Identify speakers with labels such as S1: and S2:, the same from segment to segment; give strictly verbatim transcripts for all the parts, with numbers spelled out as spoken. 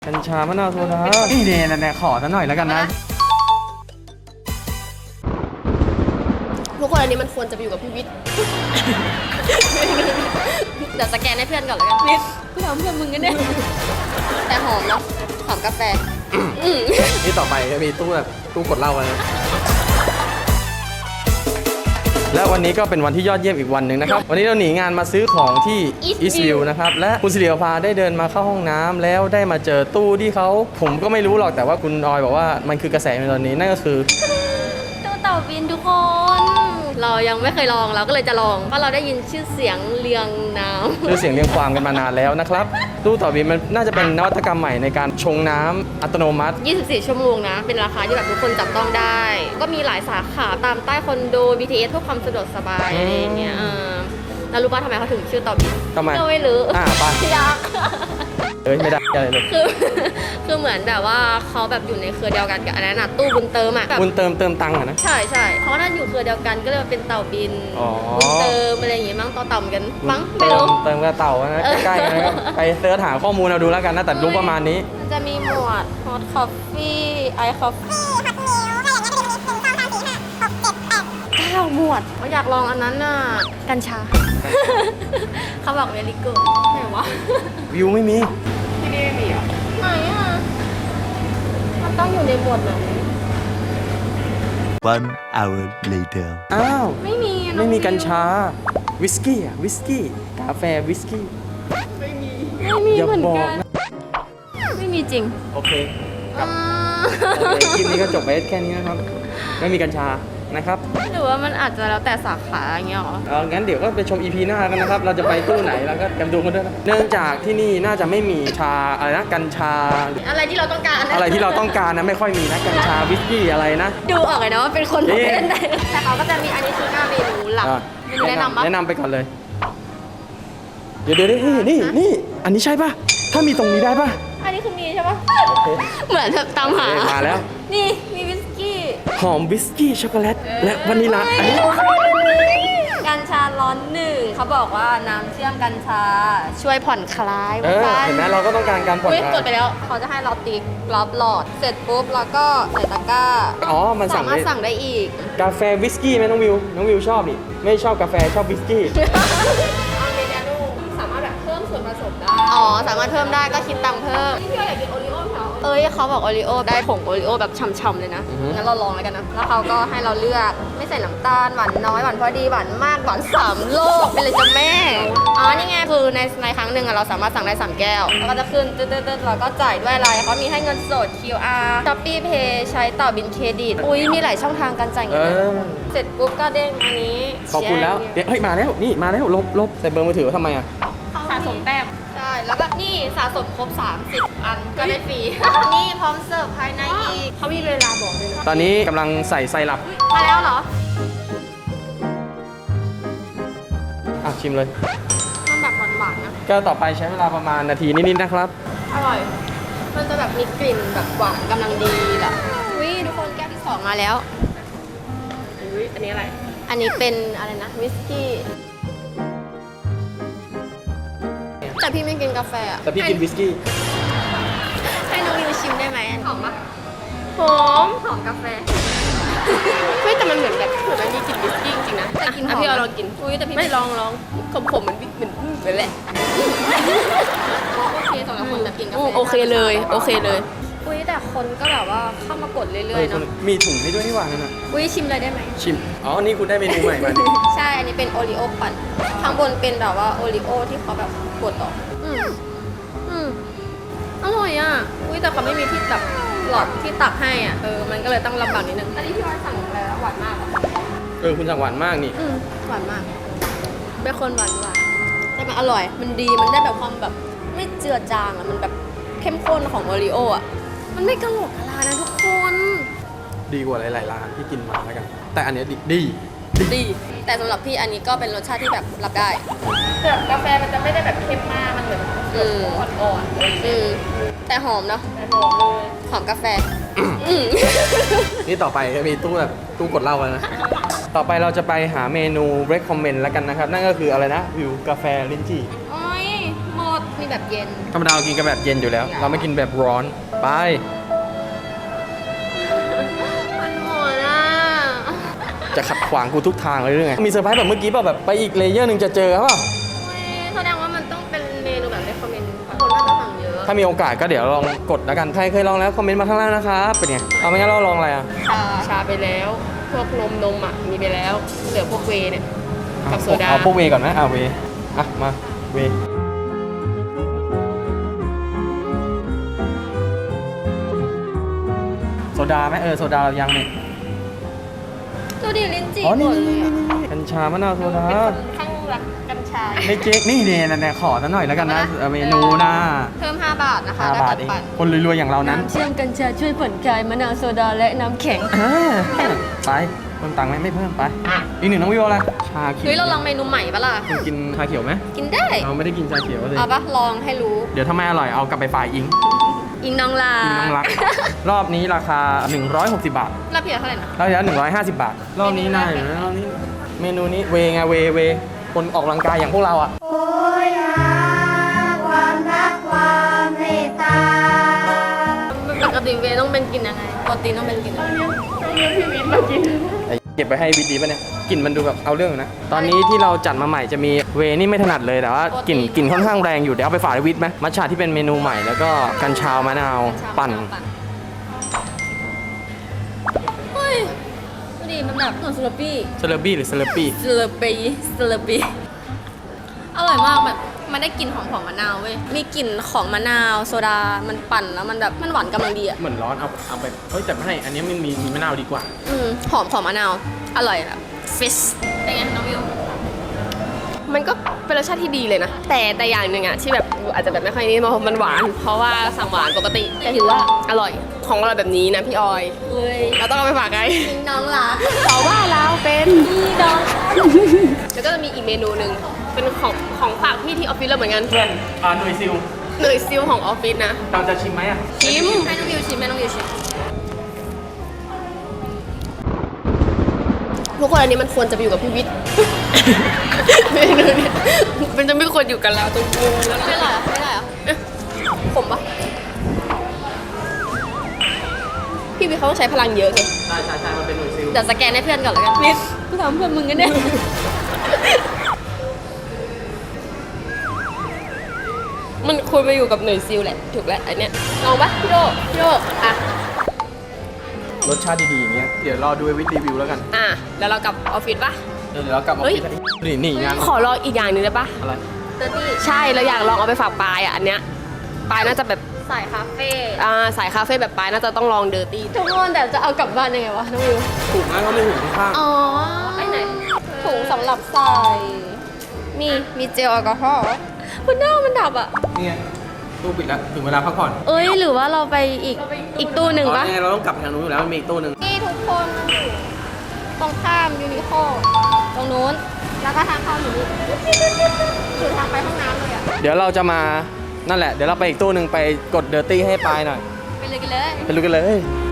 S1: กัญชามะนาวโซดานี่เนี่ยเนี่ยขอซะหน่อยแล้วกันนะ
S2: ทุกคนอันนี้มันควรจะไปอยู่กับพี่วิทย์เดี๋ยวสแกนให้เพื่อนก่อนแล้วกันวิทย์กูทำเพื่อนมึงกันเนี่ยแต่หอมเนาะหอมกาแฟ
S1: นี่ต่อไปจะมีตู้แบบตู้กดเหล้านะและวันนี้ก็เป็นวันที่ยอดเยี่ยมอีกวันหนึ่งนะครับวันนี้เราหนีงานมาซื้อของที่ Eastview นะครับและคุณสิริภาได้เดินมาเข้าห้องน้ำแล้วได้มาเจอตู้ที่เขาผมก็ไม่รู้หรอกแต่ว่าคุณออยบอกว่ามันคือกระแสในตอนนี้นั่นก็คือ
S2: ตู้เต่าบินทุกคนเรายังไม่เคยลองเราก็เลยจะลองเพราะเราได้ยินชื่อเสียงเรียงน้ำ
S1: ชื่อเสียงเรียงความกันมานานแล้วนะครับตู้เต่าบินมันน่าจะเป็นนวัตกรรมใหม่ในการชงน้ำอัตโนมัติ
S2: ยี่สิบสี่ชั่วโมงนะเป็นราคาที่แบบทุกคนจับต้องได้ก็มีหลายสาขาตามใต้คอนโด บี ที เอส เพื่อความสะดวกสบายอะไรอย่างเงี้ยแล้วรู้ป่ะทำไมเขาถึงชื่อเต่าบิน
S1: ทำไม
S2: ไม่รู้
S1: อ่าไป
S2: ยาก
S1: เอ้ยไม่ได้อะไรเลย
S2: คือคือเหมือนแบบว่าเขาแบบอยู่ในเครือเดียวกันกับอันนั้นน่ะตู้บุญเติมอ่ะ
S1: บุญเติมเติมตังค์อะนะ
S2: ใช่ใช่เพราะนั่นอยู่เครือเดียวกันก็เลยเป็นเต่าบินบุญเติมอะไรอย่างงี้มั้งต่อเต่ากันมั้งไม่รู้
S1: เติมกับเต่านะใกล้ๆนะครับไปเสิร์ชหาข้อมูลเราดูแล้วกันนะแต่รู้ประมาณนี้
S2: มันจะมีหมวด hot coffee ice coffee hot milk อะไรอย่างเงี้ยเป็นหนึ่งสองสามสี่ห้าหกเจ็ดแปดเก้าหมวดอยากลองอันนั้นน่ะกัญชาเขาบอกเวลิกูไหนวะ
S1: วิวไม่มี
S2: ที่นี่ไม่มีอ่ะไหนอ่ะมันต้องอยู่ในหมวดไหน
S3: One hour later
S1: อ้าว
S2: ไม่มี
S1: ไม่มีกัญชาวิสกี้อ่ะวิสกี้กาแฟวิสกี้
S2: ไม่มีไม่มีเหมือนกันไม่มีจริง
S1: โอเคครับคลิปนี้ก็จบไปแค่นี้นะครับไม่มีกัญชานะครับ
S2: หรือว่ามันอาจจะแล้วแต่สาขาอย่างเงี้ยหรอ
S1: เอองั้นเดี๋ยวก็ไปชม อี พี หน้ากันนะครับเราจะไปตู้ไหนแล้วก็กันดูกันด้วยนะเนื่องจากที่นี่น่าจะไม่มีชาอะไรนะกัญชา
S2: อะไรที่เราต้องการ
S1: อะไรที่เราต้องการนะไม่ค่อยมีนะกัญชาวิสกี้อะไรนะ
S2: ดูออกเลยนะว่าเป็นคนประเภทไหนแต่เขาก็จะมีอันนี้คือหน้าเมนูหลักแนะนำ
S1: แนะนำไปก่อนเลยเดี๋ยวเดี๋ยวนี่นี่นี่อันนี้ใช่ป่ะถ้ามีตรงนี้ได้ป่ะ
S2: อันนี้คือมีใช่ป่ะเหมือนแบบตามหา
S1: มาแล้ว
S2: นี่มีวิสกี้
S1: หอมวิสกี้ช็อกโกแลตและวานิลลาอันนี้
S2: กัญชาร้อนหนึ่งเขาบอกว่าน้ำเชื่อมกัญชาช่วยผ่อนคลาย
S1: เออเห็นไหมเราก็ต้องการการผ่อนคลาย
S2: กดไปแล้วเขาจะให้เราติ๊กรอบหลอดเสร็จปุ๊บแล้วก็ใส่ตะกร้า
S1: อ๋อมัน
S2: สามารถสั่งได้อีก
S1: กาแฟวิสกี้ไหมน้องวิวน้องวิวชอบนี่ไม่ชอบกาแฟชอบวิสกี้
S2: สามารถแบบเพิ่มส่วนผสมได้อ๋อสามารถเพิ่มได้ก็คิดตังค์เพิ่มที่เราอยากกินโอริโอ้เขาเอ้ยเขาบอกโอริโอได้ผงโอริโอแบบฉ่ำๆเลยนะงั้นเราลองเลยกันนะแล้วเขาก็ให้เราเลือกไม่ใส่น้ำตาลหวานน้อยหวานพอดีหวานมากหวานสามโลกเป็นเลยจ้ะแม่อ๋อนี่ไงคือในในครั้งหนึ่งเราสามารถสั่งได้สามแก้วแล้วก็จะขึ้นตึ๊ดๆเราก็จ่ายด้วยอะไรเขามีให้เงินสด คิว อาร์ Shopee Pay ใช้ต่อบินเครดิตอุ้ยมีหลายช่องทางการจ่ายเงินเสร็จปุ๊บก็เด้งอันนี้
S1: ขอบคุณแล้วเดี๋ยวเฮ้ยมาแล้วนี่มาแล้วลบลบใส่เบอร์มือถือทำไมอ่ะ
S2: สะสมแต้มใช่แล้วก็นี่สะสมครบสามสิบอันก็ได้ฟรีนี่พร้อมเสิร์ฟภายในอีกเขามีเวลาบอกเลยนะ
S1: ตอนนี้กำลังใส่ไซรัป
S2: มาแล้วเหรอ
S1: อ่ะชิมเลย
S2: มันแบบหวานๆนะ
S1: ก็ต่อไปใช้เวลาประมาณนาทีนิดๆนะครับ
S2: อร่อยมันจะแบบมีกลิ่นแบบหวานกำลังดีแหละอุ้ยทุกคนแก้วที่สองมาแล้วอุ้ยอันนี้อะไรอันนี้เป็นอะไรนะวิสกี้แต่พี่ไม่กินกาแฟอ่ะ
S1: แต่พี่กินวิสกี้
S2: ให้น้องวิวชิมได้ไหมหอมปะหอมหอมกาแฟไม่แต่มันเหมือนแบบเหมือนมันมีกลิ่นวิสกี้จริงๆนะแต่กินหอมพี่เอาลองกินอุ้ยแต่พี่ไม่ลองลองขมๆเหมือนเหมือนเหมือนแหละโอเคสำหรับคนแบบกินกาแฟโอเคเลยโอเคเลยอุ้ยแต่คนก็แบบว่าเข้ามากดเรื่อยๆเนาะ
S1: มีถุงให้ด้วยนี่หว่านั่นน่ะ
S2: อุ้ยชิมเลยได้ไหม
S1: ชิมอ๋อนี่คุณได้เมนูใหม่มา
S2: ใช่อันนี้เป็นโอริโอปั่นข้างบนเป็นแบบว่าโอริโอที่เขาแบบกดออกอืมอืมอร่อยอ่ะอุ้ยแต่เขาไม่มีที่แบบหลอดที่ตักให้อ่ะเออมันก็เลยต้องลำบากนิดนึงอันนี้พี่ว่าสั่งแล้วหวานมาก
S1: เออคุณสั่งหวานมากนี่
S2: อืมหวานมากเป็นคนหวานหวานแต่มันอร่อยมันดีมันได้แบบความแบบไม่เจือจางอ่ะมันแบบเข้มข้นของโอริโออ่ะมันไม่กระโหลกกะลานะทุกคน
S1: ดีกว่าหลายๆร้านที่กินมาแล้วกันแต่อันนี้ดีดี
S2: ดีแต่สำหรับพี่อันนี้ก็เป็นรสชาติที่แบบรับได้แต่กาแฟมันจะไม่ได้แบบเข้มมากมันเหมือนอ่อนๆอืมแต่หอมเนาะหอมเลยหอมกาแฟ
S1: นี่ต่อไปจะมีตู้แบบตู้กดเหล้าแล้วนะต่อไปเราจะไปหาเมนู recommend แล้วกันนะครับนั่นก็คืออะไรนะวิวกาแฟลิ้นจี่
S2: โอ้ยหมดนิดแบบเย็น
S1: ธรรมดาเรากินกันแบบเย็นอยู่แล้ว เราไม่กินแบบร้อนไป
S2: มันหมดอ่ะ
S1: จะขัดขวางกูทุกทางเลยหรือไงมีเซอร์ไพรส์แบบเมื่อกี้เปล่าแบบไปอีกเลเยอร์หนึ่งจะเจอครับเปล่า
S2: แสดงว่ามันต้องเป็นเมนูแบบในคอมเมนต์คนน่าจะสั่งเยอะ
S1: ถ้ามีโอกาสก็เดี๋ยวลองกดแล้วกันใครเคยลองแล้วคอมเมนต์มาข้างล่างนะครับเป็นไงเอาไม่งั้นเราลองอะไรอ่ะ
S2: ชาชาไปแล้ว พวกนมนมอ่ะมีไปแล้วเหลือพวกเวย์เนี่ยกับโซดา
S1: เอาพวกเวก่อนไหมอ่ะเวอ่ะมาเวโซดาไหมเออโซดาเรายังเนี่ย
S2: ตัวดีลิ้นจี่
S1: อ๋อ
S2: หม
S1: นี่
S2: ดเลย
S1: นี่
S2: อะ
S1: นี่นี่กัญชามะนาวโซดา
S2: เป็นคนข้างรักกัญชา
S1: ไม่เจ๊กนี่เนี่ยเนี่ยขอซะหน่อยแล้วกันนะเมนูนะ
S2: เพิ่มห้าบาทนะคะ
S1: ห้า
S2: ได้
S1: บาท
S2: ตัด
S1: เอง
S2: ปั่น
S1: คนรวยๆอย่างเรานั้น
S2: น้ำเชื่อมกัญชาช่วยผ่อนคลายมะนาวโซดาและน้ำแข็ง
S1: อ่าไปเพิ่มตังค์ไหมไม่เพิ่มไปอีกหนึ่งน้องวิวอะไรชาเขียว
S2: เฮ้ยเราลองเมนูใหม่ปะล่ะ
S1: คุณกินชาเขียวไหม
S2: กินได้
S1: เราไม่ได้กินชาเขียวเลย
S2: เอาปะลองให้รู้
S1: เดี๋ยวถ้าไม่อร่อยเอากลับไปฝ่ายอิง
S2: อิงน้องลา
S1: อิงน้องรัก รอบนี้ราคา หนึ่งร้อยหกสิบ บาท
S2: แล้วเพียเท่าไหร่นะ
S1: รอบที่แล้วหนึ่งร้อยห้าสิบบาท รอบนี้น่าอยู่นะรอบนี้เมนูนี้เวไงเวเวคนออกกำลังกายอย่างพวกเราอ่ะ
S4: โอยหาความรักความเมตตา
S2: ปกติเวย์ต้องเป็นกินยังไงปกติต้องเป็นกินอะไร
S1: ไอ้เก็บไปให้วิดีป่ะเนี่ยกลิ่นมันดูแบบเอาเรื่องอยู่นะ ตอนนี้ที่เราจัดมาใหม่จะมีเวนี่ไม่ถนัดเลยแต่ว่ากลิ่นกลิ่นค่อนข้างแรงอยู่เดี๋ยวเอาไปฝากวิทย์ไหมมัทฉะที่เป็นเมนูใหม่แล้วก็กัญชามะนาวปั่น
S2: เฮ้ยดูดิมันแบบเหมือนสลับปี้
S1: เซเลบี้หรือเซเลปี้
S2: สลับปี้สลับปี้อร่อยมากแบบมันได้กลิ่นของของมะนาวเว้ยมีกลิ่นของมะนาวโซดามันปั่นแล้วมันแบบมันหวานกำลังดีอ่ะ
S1: เหมือนร้อนเอาเอาไปเฮ้ยแต่ไม่ให้อันนี้มันมีมีมะนาวดีกว่า
S2: อืมหอมของมะนาวอร่อยแบบฟิชเป็นไงน้องวิว
S5: มันก็เป็นรสชาติที่ดีเลยนะ แต่แต่อย่างหนึ่งอะที่แบบอาจจะแบบไม่ค่อยนี่เพราะมันหวาน เพราะว่าสั่งหวานปกติ แต่ถือว่าอร่อยของอร่อยแบบนี้นะพี่ออย
S2: เอ้ย
S5: เราต้องเอาไปฝากใคร
S2: อิงน้องรัก
S5: เพราะว่าเราเป็น
S2: พี่น้อง
S5: แล้วก็จะมีอีกเมนูหนึ่งเป็นของของฝากพี่ที่ออฟฟิศเราเหมือนกัน
S1: เพื่อนอ่าหน่วยซิล
S5: เนยซิลของออฟฟิศนะ
S1: เราจะชิมไหมอ่ะ
S5: ชิม
S2: ให้น้องวิวชิมให้น้องวิวชิม
S5: ทุกคนอันนี้มันควรจะไปอยู่กับพี่วิทย์ เมนูเนี้ยมันจะไม่ควรอยู่กันแล้วตรงมุมแล้ว
S2: ไม่
S5: นะ
S2: อร่อยเหรอไม่อร่อยเหรอ
S5: ผมปะพี่วิทย์เขาต้องใช้พลังเยอะไง
S1: ใช่ใช่ใช่มันเป็นหน่วยซิล
S2: เดี๋ยวสแกนให้เพื่อนก่อนแล้วกันนิดกูถามเพื่อนมึงกันเนี่ย
S5: มันควรไปอยู่กับหน่วยซิลแหละถูกแล้วอันเนี้ยลองปะพี่โดพี่โดอ่ะ
S1: รสชาติดีๆอย่างเงี้ยเดี๋ยวรอดูวิทย์รีวิวแล้วกัน
S5: อ่ะแล้วเรากลับออฟฟิศปะ
S1: เดี๋ยวเรากลับมา
S5: เฮ้ย
S1: คิดนี่นี่งาน
S5: ขอลองอีกอย่างหนึงได้ปะ
S1: อะไร
S2: เตอร์ตี้
S5: ใช่เราอยากลองเอาไปฝากปายอ่ะอันเนี้ยปายน่าจะแบบ
S2: สายคาเฟ่
S5: อ่าสายคาเฟ่แบบปายน่าจะต้องลองเดอร์ตี้
S2: ทุกคนแต่จะเอากลับบ้านยังไงวะน้องวิว
S1: ถูกนะเขาไม่ถึงข้าง
S2: อ๋อไอ้ไหนถุงสำหรับใส่ มีมีเจลแอลกอฮอล์คุณหน้ามันดับอ่ะ
S1: นี่ไงตู้ปิดแล้วถึงเวลาพักผ่อน
S2: เอ้ยหรือว่าเราไปอีกอีกตู้หนึ่ง
S1: อ๋อ
S2: ปะ
S1: นี่ไงเราต้องกลับไปทางนู้นอยู่แล้วมันมีอีกตู้หนึ่ง
S2: นี่ทุกคนมันอยู่ตรงข้ามยูนิโคตรงนู้น แล้วก็ทางเข้าอยู่นี่อยู่ทางไปห้องน้ำเลยอ่ะ
S1: เดี๋ยวเราจะมานั่นแหละเดี๋ยวเราไปอีกตู้หนึ่งไปกดเดอร์ตี้ให้ปลายหน่อย
S2: ไปเลยกันเลย
S1: ไปดูกันเลย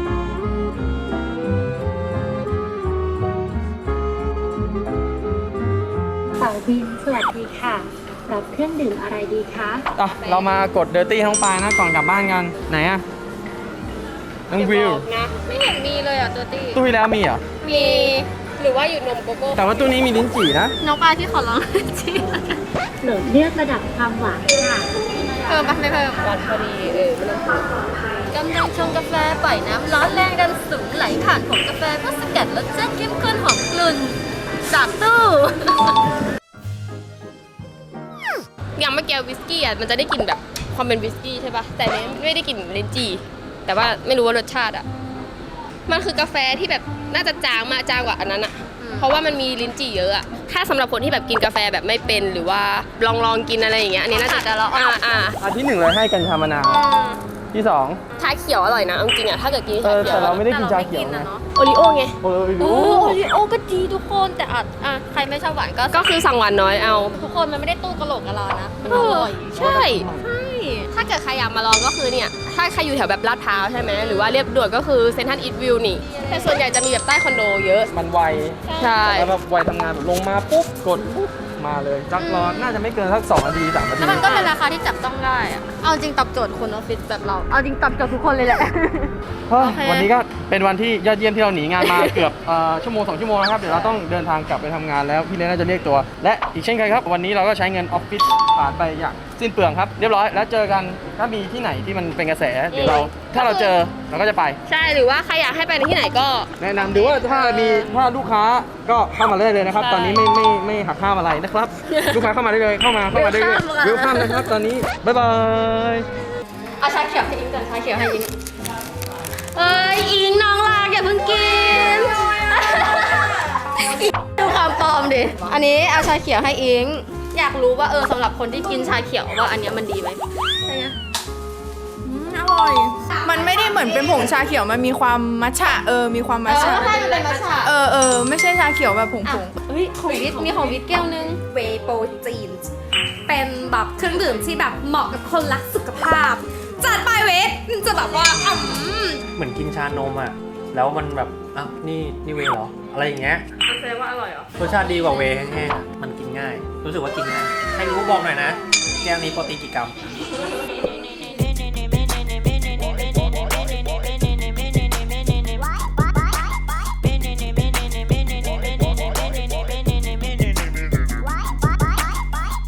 S4: สาวบินสวัสดีค่ะ รับเครื่องดื่มอะไรดีคะ
S1: อ่ะเรามากดเดอร์ตี้ทั้งปลายนะก่อนกลับบ้านกันไหนอะน้องวิว
S5: นะ
S2: ไม่เห็นมีเลยอ่ะตัวตี้
S1: ตู้ที่แล้วมีเหรอ
S5: มีหรือว่าอยู่นมโกโก้
S1: แต่ว่าตู้นี้มีลิ้นจี่นะ
S2: น้องปลาที่ขอร้องจี
S4: โหลดเลือกระดับความหวานค่ะ
S2: เพิ่มปะไม่เพิ่ม
S5: หวานพอดีเออไม่ต้องพูด
S2: กำลังชงกาแฟปล่อยน้ำร้อนแรงดันสูงไหลผ่านผงกาแฟเพื่อสกัดรสชาติเข้มข้นหอมกลุ่นจากตู้
S5: อย่างเมื่อกี้วิสกี้อ่ะมันจะได้กลิ่นแบบความเป็นวิสกี้ใช่ปะแต่อันนี้ไม่ได้กลิ่นลิ้นจี่แต่ว่าไม่รู้ว่ารสชาติอ่ะมันคือกาแฟที่แบบน่าจะจางมากจางกว่าอันนั้นอ่ะ เพราะว่ามันมีลิ้นจี่เยอะอะถ้าสำหรับคนที่แบบกินกาแฟแบบไม่เป็นหรือว่าลองลองกินอะไรอย่างเงี้ย อันนี้น่าจะ
S2: จะแล้ว
S5: อ่าอ่า
S1: อันที่หนึ่งเลยให้กัญชามะนาวที่สอง
S5: ชาเขียวอร่อยนะเอาจริงๆอะถ้าเกิดกิน
S1: เอ
S5: ชา
S1: อ
S5: เขีย
S1: แต่
S5: ว
S1: เรา
S5: อะ
S1: ไม่ได้กินชาเขียว
S2: แต่
S1: นะ
S2: เราไม่กินอะเนาะ
S5: โอริโอไง
S1: โอ้ย
S2: โอ้
S1: รู้
S2: โอริโอก็ดีทุกคนแต่อาจอ่ะใครไม่ชอบหวานก็
S5: ก็คือสั่งหวานน้อยเอา
S2: ทุกคนมันไม่ได้ตู้กระโหลกกะลานะมัน
S5: เอ
S2: อ
S5: อ
S2: ร่อย
S5: ใช่
S2: ใช่
S5: ถ้าเกิดใครอยากมาลองก็คือเนี่ย ถ้าใครอยู่แถวแบบลาดพร้าวใช่ไหมหรือว่าเรียบด่วนก็คือเซนทรัลอีทวิวนี่ แต่ส่วนใหญ่จะมีแบบใต้คอนโดเยอะ
S1: มันไว
S5: ใช่
S1: แล้วแบบไวทำงานแบบลงมาปุ๊บกดปุ๊บมาเลยจักรอน่าจะไม่เกินสักสองนาทีสามนาที
S2: แล้วมันก็เป็นราคาที่จับต้องได้อะเอาจริงตอบโจทย์คนออฟฟิศแบบเรา เอาจริงตอบโจทย์ทุกคนเลยแหละ
S1: เฮ้ย
S2: โอเค
S1: วันนี้ก็เป็นวันที่ยอดเยี่ยมที่เราหนีงานมา เกือบเอ่อชั่วโมงสองชั่วโมงนะครับเดี๋ยวเราต้องเดินทางกลับไปทำงานแล้วพี่เลน่าจะเรียกตัว และอีกเช่นเคยครับวันนี้เราก็ใช้เงินออฟฟิศผ่านไปอย่างสิ้นเปลืองครับเรียบร้อยแล้วเจอกันถ้ามีที่ไหนที่มันเป็นกระแสเดี๋ยวเราถ้าเราเจอเราก็จะไป
S5: ใช่หรือว่าใครอยากให้ไปที่ไหนก็
S1: แนะนำดูว่าถ้ามีถ้าลูกค้าก็เข้ามาได้เลยนะครับ
S5: ใช่
S1: ตอนนี้ไม่ไม่ไม่หักห้ามอะไรนะครับ ลูกค้าเข้ามาได้เลยเข้ามาเข้ามาได้เลย
S2: Welcome
S1: วิวคัมนะครับตอนนี้บ๊ายบาย
S2: เอาชาเขียวให้อิงก่อนชาเขียวให้อิงเอ้ยอิงน้องรักอย่าเพิ่งกิน ดูความปลอมดิ อันนี้เอาชาเขียวให้อิง อยากรู้ว่าเออสำหรับคนที่กินชาเขียวว่าอันเนี้ยมันดีไหมใช่ไหม
S6: อืมอร่อย มันไม่ได้เหมือนเป็นผงชาเขียว มันมีความมัทฉะ เออ มีความ
S2: เอ
S6: มัท
S2: อ
S6: ฉะ
S2: ใช่มันเป็นมัทฉะ
S6: เออเออไม่ใช่ชาเขียวแบบผง
S2: อ่ะ
S6: ผง
S2: เฮ้ยของวิทมีของวิทแก้วนึง
S7: เวย์โปรตีนเป็นแบบเครื่องดื่มที่แบบเหมาะกับคนรักสุขภาพ จัดไปเวทจะแบบว่าอืม
S8: เหมือนกินชานมอ่ะ แล้วมันแบบ อ้าว นี่ นี่เวย์เหรอ อะไรอย่างเงี้ย
S5: แสดงว่าอร่อยเหรอ
S8: รสชาติดีกว่าเวย์แห้งๆอะมันกินง่าย รู้สึกว่ากินง่าย ใครรู้บอกหน่อยนะ แก้วนี้โปรตีนกี่กรัม